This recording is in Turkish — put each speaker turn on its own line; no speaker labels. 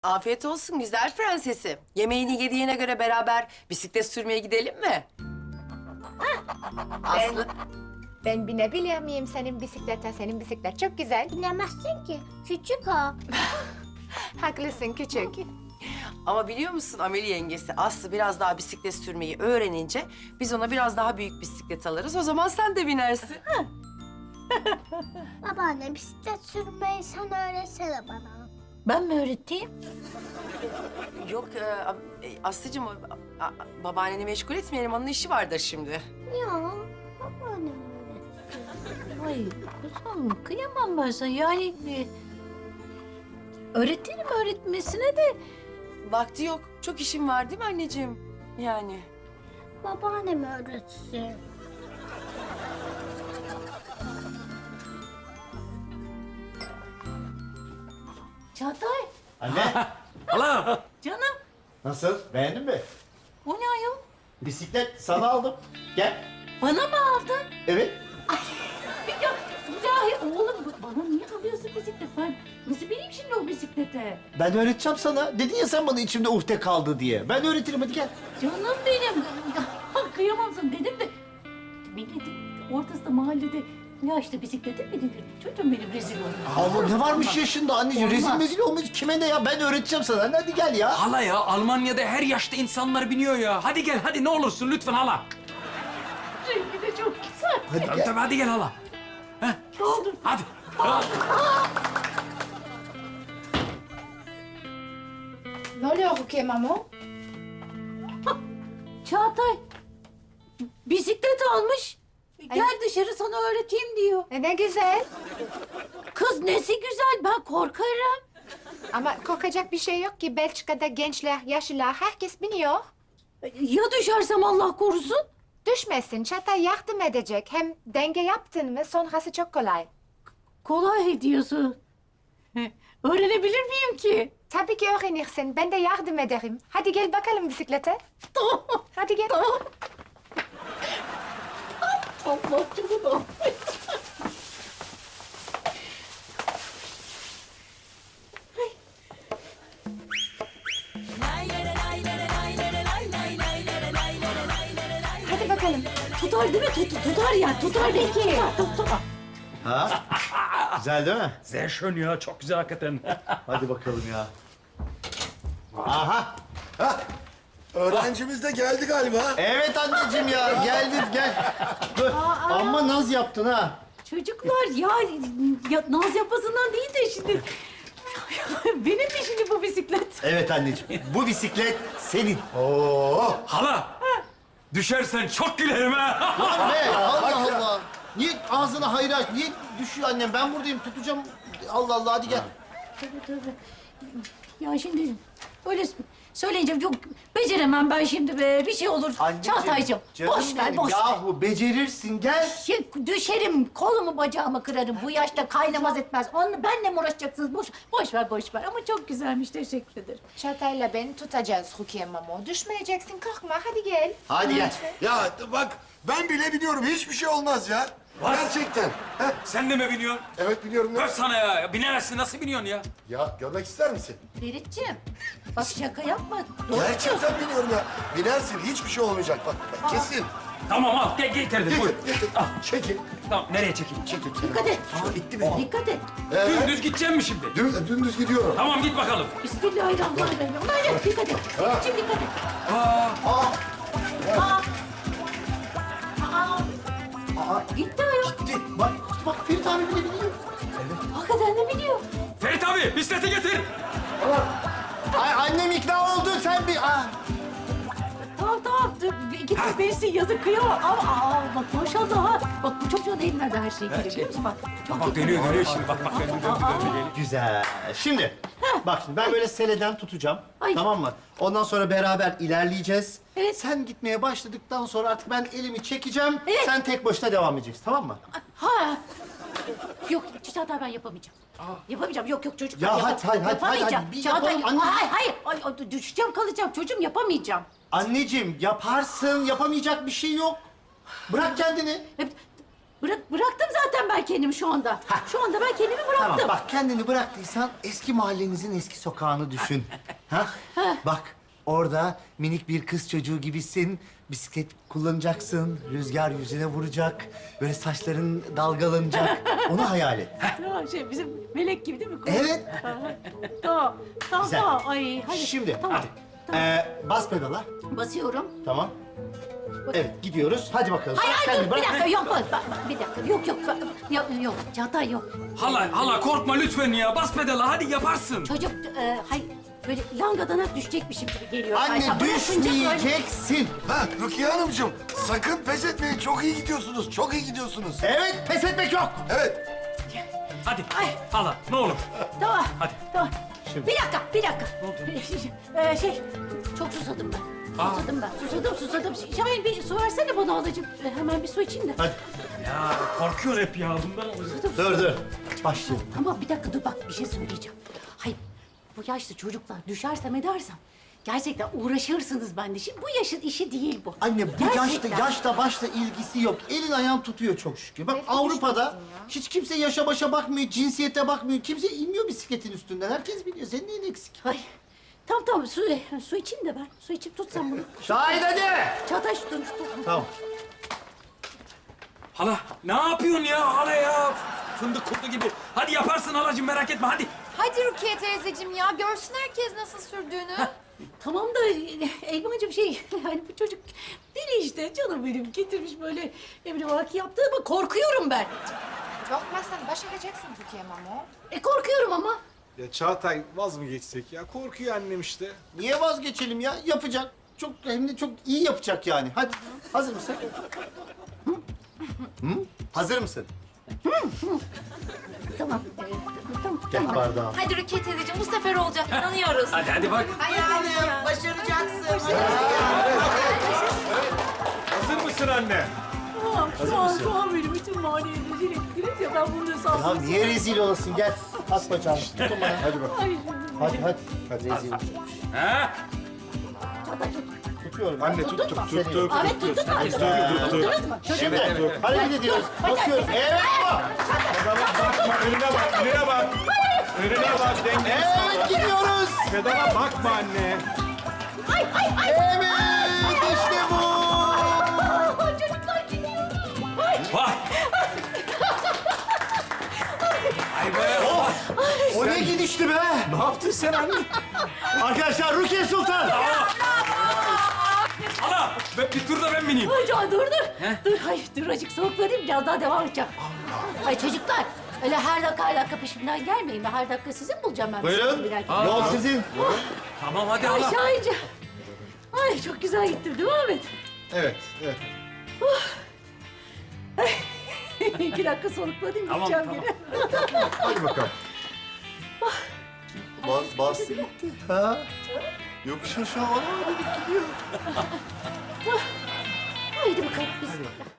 Afiyet olsun güzel prensesim. Yemeğini yediğine göre beraber bisiklet sürmeye gidelim mi? Aslı.
Ben binebilir miyim senin bisiklete? Senin bisiklet çok güzel.
Bilemezsin ki. Küçük o.
Haklısın küçük.
Ama biliyor musun Ameli yengesi Aslı biraz daha bisiklet sürmeyi öğrenince biz ona biraz daha büyük bisiklet alırız. O zaman sen de binersin.
Babaanne bisiklet sürmeyi sen öğretsene bana.
Ben mi öğreteyim?
Yok Aslıcığım babaanneni meşgul etmeyelim. Onun işi vardır şimdi.
Ya babaannem öğretsin.
Ay kuzum kıyamam ben sana. Yani öğretirim öğretmesine de.
Vakti yok. Çok işim var değil mi anneciğim? Yani.
Babaannem öğretsin.
Çağatay
Anne,
Hala.
canım
nasıl? Beğendin mi?
o ne ayol?
Bisiklet sana aldım. Gel.
Bana mı aldın?
Evet.
Ya ilahi oğlum bana niye alıyorsun bisiklet? Ben nasıl bineyim şimdi o bisiklete?
Ben öğreteceğim sana. Dedin ya sen bana içimde uhde kaldı diye. Ben öğretirim hadi gel.
Canım benim. Kıyamam sana dedim de. Milletin ortasında mahallede ya işte bisiklete mi binir? Çocuğum benim rezil oldu.
Allah ne varmış yaşında anneciğim? Rezil
Olmaz.
mezil olmuş. Kime ne ya? Ben öğreteceğim sana. Hadi gel ya.
Hala ya Almanya'da her yaşta insanlar biniyor ya. Hadi gel hadi ne olursun lütfen hala.
Rengi de çok güzel.
Hadi
Tabii
gel.
tabii hadi gel hala. Heh,
Ne oldu?
hadi.
Ne oluyor Rukiye Mamo?
Çağatay bisiklet almış. Gel dışarı sana öğreteyim diyor.
Ne güzel.
Kız nesi güzel ben korkarım.
Ama korkacak bir şey yok ki. Belçika'da gençler, yaşlılar herkes biniyor.
Ya düşersem Allah korusun?
Düşmesin. Çatay yardım edecek. Hem denge yaptın mı sonrası çok kolay.
Kolay diyorsun. Öğrenebilir miyim ki?
Tabii ki öğrenirsin. Ben de yardım ederim. Hadi gel bakalım bisiklete.
Tamam.
Hadi gel.
Tamam. Allah canına.
Hadi bakalım.
Tutar değil mi? Tutar ya. Tutar belki. Tutar.
Ha? Güzel değil mi?
Sehr schön ya çok güzel hakikaten.
Hadi bakalım ya. Aha.
Öğrencimiz de geldi galiba.
Evet anneciğim ya. Geldin gel. Dur. Amma naz yaptın ha.
Çocuklar ya naz yapmasından değil de şimdi... Benim mi şimdi bu bisiklet?
Evet anneciğim. Bu bisiklet senin.
Oo.
Hala. Düşersen çok gülerim ha.
Lan be Allah Allah. Niye ağzına hayır aç? Niye düşüyor annem? Ben buradayım tutacağım. Allah Allah hadi gel.
Tabii. Ya şimdi öyle söyleyince yok beceremem ben şimdi be. Bir şey olur. Çağatay'cığım
canım
boş ver
benim.
boş ver.
Yahu becerirsin gel.
Düşerim, kolumu bacağımı kırarım. Bu yaşta kaynamaz etmez. Onunla benle mi uğraşacaksınız? Boş ver. Ama çok güzelmiş, teşekkür ederim.
Çatayla beni tutacağız Rukiye Mamo. Düşmeyeceksin korkma. Hadi gel.
Hadi gel.
Ya bak ben bile biliyorum hiçbir şey olmaz ya. Gerçekten. Heh,
Sen de mi biniyorsun?
evet biliyorum.
Öf sana ya. Binemezsin nasıl biniyorsun ya?
Ya görmek ister misin?
Feritciğim, bak şaka yapma. Doğru diyorsun.
Gerçekten biliyorum ya. Binersin hiçbir şey olmayacak bak. Kesin.
Tamam al gel getirdim buyur.
Getir.
Al.
Çekil.
Tamam nereye çekeyim?
Çekil.
Dikkat et.
Aa, bitti mi?
Dikkat et.
Dümdüz gideceğim mi şimdi?
Dümdüz gidiyorum.
Tamam git bakalım.
Bismillahirrahmanirrahim. Hayır, dikkat et. Feritciğim dikkat et. Gitti ayol.
Gitti. Bak Ferit abi bile biliyor.
Hakikaten de biliyor.
Ferit abi bisikleti getir.
Ay annem ikna oldu sen bir...
Tamam. Git birisi yazık kıyamam. Ama bak maşallah ha. Bak bu çocuğun elinden de her şey geliyor biliyor musun? Bak çok
Bak dönüyor şimdi bak döndü.
Güzel. Şimdi bak şimdi ben böyle seleden tutacağım.
Ay.
Tamam mı? Ondan sonra beraber ilerleyeceğiz.
Evet.
Sen gitmeye başladıktan sonra artık ben elimi çekeceğim.
Evet.
Sen tek başına devam edeceksin tamam mı?
Ha. Yok Çağatay ben yapamayacağım. Yapamayacağım. Yok çocuk.
Ya hadi,
Yapamayacağım.
hadi, bir
Çağatay,
yapalım, anne.
hayır. Ay, düşeceğim kalacağım. Çocuğum yapamayacağım.
Anneciğim yaparsın. Yapamayacak bir şey yok. Bırak kendini.
Bıraktım zaten ben kendimi şu anda. Şu anda ben kendimi bıraktım.
Tamam bak kendini bıraktıysan eski mahallenizin eski sokağını düşün. Ha? Bak orada minik bir kız çocuğu gibisin. Bisiklet kullanacaksın. Rüzgar yüzüne vuracak. Böyle saçların dalgalanacak. Onu hayal et.
Ya bizim melek gibi değil mi?
Evet.
Tamam. Tamam,
Güzel.
tamam. Ay, hadi.
Şimdi
Tamam.
hadi.
Tamam.
Bas pedala.
Basıyorum.
Tamam. Evet gidiyoruz. Hadi bakalım.
Hayır, hayır,
Kendini
dur. Bir
bırak.
dakika, yok. Bir dakika. Yok. Çağatay yok.
Hala korkma lütfen ya. Bas pedala hadi yaparsın.
Çocuk, hayır. Böyle langadana düşecekmişim gibi geliyor.
Anne
Ayşe, bırakınca böyle-
düşmeyeceksin.
Ha Rukiye Hanımcığım sakın pes etmeyin. Çok iyi gidiyorsunuz. Çok iyi gidiyorsunuz.
Evet pes etmek yok.
Evet.
Hadi. Hala ne olur.
Tamam.
Hadi.
Tamam.
Şimdi.
Bir dakika. Çok susadım ben. Susadım. Şahin bir su versene bana halacığım. Hemen bir su içeyim de.
Hadi.
Ya korkuyor hep ya bundan oluyor.
Dur. Başlayalım.
Ama bir dakika dur bak bir şey söyleyeceğim. Hayır bu yaşta çocuklar düşersem edersem gerçekten uğraşırsınız bende. Şimdi bu yaşın işi değil bu.
Anne bu
Gerçekten.
yaşta başta ilgisi yok. Elin ayağın tutuyor çok şükür. Bak Avrupa'da hiç kimse yaşa başa bakmıyor, cinsiyete bakmıyor. Kimse inmiyor bisikletin üstünden. Herkes biliyor. Senin neyin eksik?
Ay tamam su içeyim de ben. Su içip tutsam bunu.
Şahit hadi.
Çağatay şu tut.
Tamam.
Hala ne yapıyorsun ya hala ya? Fındık kurdu gibi. Hadi yaparsın halacığım merak etme hadi.
Hadi Rukiye teyzeciğim ya, görsün herkes nasıl sürdüğünü.
Tamam da Elmacığım yani bu çocuk deli işte canım benim getirmiş böyle emri vaki yaptı ama korkuyorum ben.
Korkmazsan başaracaksın Rukiye Mamo.
Korkuyorum ama.
Ya Çağatay vaz mı geçsek ya? Korkuyor annem işte.
Niye vazgeçelim ya? Yapacak. Çok hem de çok iyi yapacak yani. Hadi. Hazır mısın? Hı? Hazır mısın?
Tamam.
Gel bardağı.
Hadi Rukiye teyzeciğim, bu sefer olacak, inanıyoruz.
Hadi bak.
Hayatım başaracaksın.
Hazır mısın anne?
Şu an benim bütün maliye rezil ettiniz ya ben bunun hesabını...
Ya niye rezil olasın? Gel. At bacağını. Tutun bana. Hadi bak.
Ay,
Hadi. Rezil olacak.
Ha?
Çağatay tut.
Tutuyorum.
Anne tuttuk.
Ahmet tuttun mu? Tuttunuz mu?
Şimdi hareket ediyoruz. Basıyoruz. Evet bu.
Bakma önüne bak, önüne bak. Önüne bak, dengeli
Evet gidiyoruz.
Pedala bakma anne.
Evet işte bu.
Çocuklar gidiyor.
Vay. Ay be.
O ne gidişti be?
Ne yaptın sen anne?
Arkadaşlar Rukiye Sultan.
Hala bir tur da ben bineyim.
Ay Can dur. Dur hayır dur azıcık soluklanayım biraz daha devam edeceğim. Ay çocuklar öyle her dakika peşimden gelmeyin. Her dakika sizi mi bulacağım ben?
Buyurun. Yol sizin.
Tamam hadi
Ay
hala.
Şahin'cim. Ay çok güzel gittim değil mi Ahmet?
Evet.
2 dakika soluklanayım
Tamam,
gideceğim
tamam.
geri.
Hadi bakalım.
Bas gitti. Ha? Yokuş aşağı dedik gidiyor.
Haydi bakalım biz.